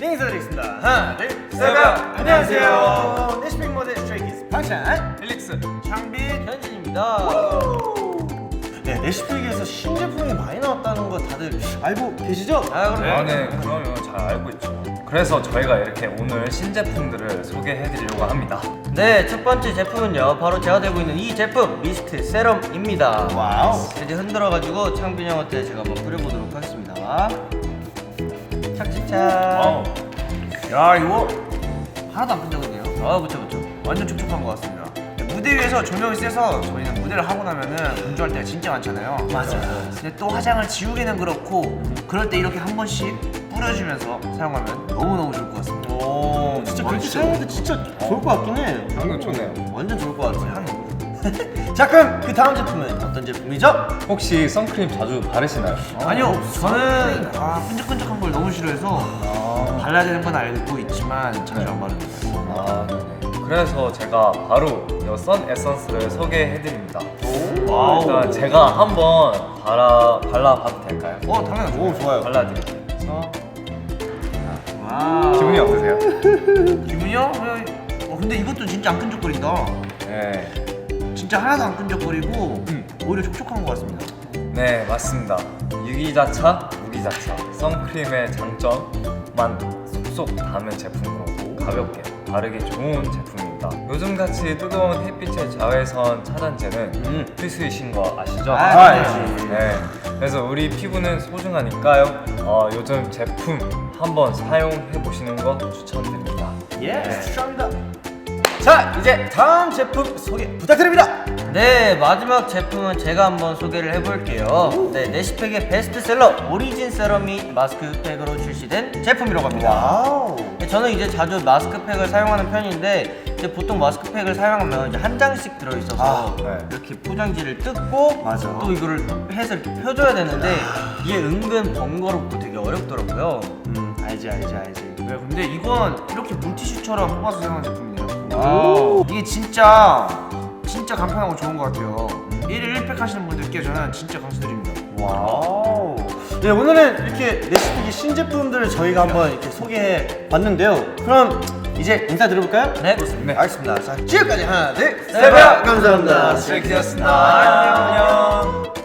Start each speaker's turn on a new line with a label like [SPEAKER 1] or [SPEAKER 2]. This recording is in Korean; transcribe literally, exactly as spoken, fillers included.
[SPEAKER 1] 인사드리겠습니다. 하나, 둘, 셋. 안녕하세요. 내시픽 모델 스트레이키즈 방찬,
[SPEAKER 2] 릴릭스,
[SPEAKER 1] 창빈,
[SPEAKER 2] 현진입니다.
[SPEAKER 1] 네, 내시픽에서 신제품이 많이 나왔다는 거 다들 알고 계시죠?
[SPEAKER 2] 아, 그럼
[SPEAKER 3] 아, 네, 그러면 잘 알고 있죠. 그래서 저희가 이렇게 오늘 신제품들을 소개해드리려고 합니다.
[SPEAKER 2] 네, 첫 번째 제품은요, 바로 제가 들고 있는 이 제품 미스트 세럼입니다.
[SPEAKER 1] 와우.
[SPEAKER 2] 이제 흔들어가지고 창빈 형한테 제가 한번 뿌려보도록 하겠습니다. 착착착.
[SPEAKER 1] 와우. 야, 이거 하나도 안 끈적은데요?
[SPEAKER 2] 아, 그쵸 그쵸.
[SPEAKER 1] 완전 촉촉한 것 같습니다. 무대 위에서 조명이 세서 저희는 무대를 하고 나면은 분주할 때가 진짜 많잖아요.
[SPEAKER 2] 맞아요.
[SPEAKER 1] 근데 또 화장을 지우기는 그렇고 그럴 때 이렇게 한 번씩 뿌려주면서 사용하면 너무너무 좋을 것 같습니다.
[SPEAKER 2] 오,
[SPEAKER 1] 진짜
[SPEAKER 2] 와,
[SPEAKER 1] 그렇게 사용해도 진짜 좋을 것 같긴 해.
[SPEAKER 3] 향이 좋네요.
[SPEAKER 1] 완전 좋을 것 같아요. 향이 너무 좋아요. 자, 그럼 그 다음 제품은 어떤 제품이죠?
[SPEAKER 3] 혹시 선크림 자주 바르시나요?
[SPEAKER 1] 아니요, 저는 아, 끈적끈적한 걸 너무 싫어해서 발라야 되는 건 알고 있지만 자주 안 바릅니다.
[SPEAKER 3] 아, 네네. 그래서 제가 바로 이 선 에선스를 소개해드립니다.
[SPEAKER 1] 와우.
[SPEAKER 3] 일단 제가 한번 발라, 발라봐도 될까요?
[SPEAKER 1] 어, 당연하죠.
[SPEAKER 3] 오, 좋아요. 발라드릴게요. 그래서
[SPEAKER 1] 와.
[SPEAKER 3] 기분이 어떠세요?
[SPEAKER 1] 기분이요? 어, 근데 이것도 진짜 안 끈적거린다.
[SPEAKER 3] 네,
[SPEAKER 1] 진짜 하나도 안 끈적거리고 오히려 촉촉한 것 같습니다.
[SPEAKER 3] 네 맞습니다. 유기자차, 무기자차 선크림의 장점만 쏙쏙 담은 제품으로 가볍게 바르기 좋은 제품입니다. 요즘같이 뜨거운 햇빛의 자외선 차단제는
[SPEAKER 2] 음.
[SPEAKER 3] 필수이신 거 아시죠?
[SPEAKER 1] 아,
[SPEAKER 2] 알지.
[SPEAKER 3] 네. 그래서 우리 피부는 소중하니까요. 어, 요즘 제품 한번 사용해 보시는 거 추천드립니다.
[SPEAKER 1] 예,
[SPEAKER 3] 네.
[SPEAKER 1] 추천합니다. 자, 이제 다음 제품 소개 부탁드립니다.
[SPEAKER 2] 네, 마지막 제품은 제가 한번 소개를 해볼게요. 네, 내시팩의 베스트셀러 오리진 세럼이 마스크팩으로 출시된 제품이라고 합니다.
[SPEAKER 1] 와우.
[SPEAKER 2] 네, 저는 이제 자주 마스크팩을 사용하는 편인데 이제 보통 마스크팩을 사용하면 이제 한 장씩 들어있어서
[SPEAKER 1] 아,
[SPEAKER 3] 네.
[SPEAKER 2] 이렇게 포장지를 뜯고
[SPEAKER 1] 맞아.
[SPEAKER 2] 또 이거를 해서 이렇게 펴줘야 되는데 이게 은근 번거롭고 되게 어렵더라고요.
[SPEAKER 1] 음, 알지, 알지, 알지. 네, 근데 이건 이렇게 물티슈처럼 뽑아서 사용하는 제품이네요.
[SPEAKER 2] 와우.
[SPEAKER 1] 이게 진짜 진짜 간편하고 좋은 것 같아요. 일일 일 팩 하시는 분들께 저는 진짜 강추드립니다.
[SPEAKER 4] 와우. 네, 오늘은 이렇게 내시픽의 신제품들을 저희가 한번 이렇게 소개해 봤는데요. 그럼 이제 인사드려볼까요?
[SPEAKER 2] 네.
[SPEAKER 1] 네, 알겠습니다. 자, 지금까지 하나, 둘,
[SPEAKER 2] 셋.
[SPEAKER 4] 감사합니다.
[SPEAKER 3] 스트레이키즈였습니다. 안녕.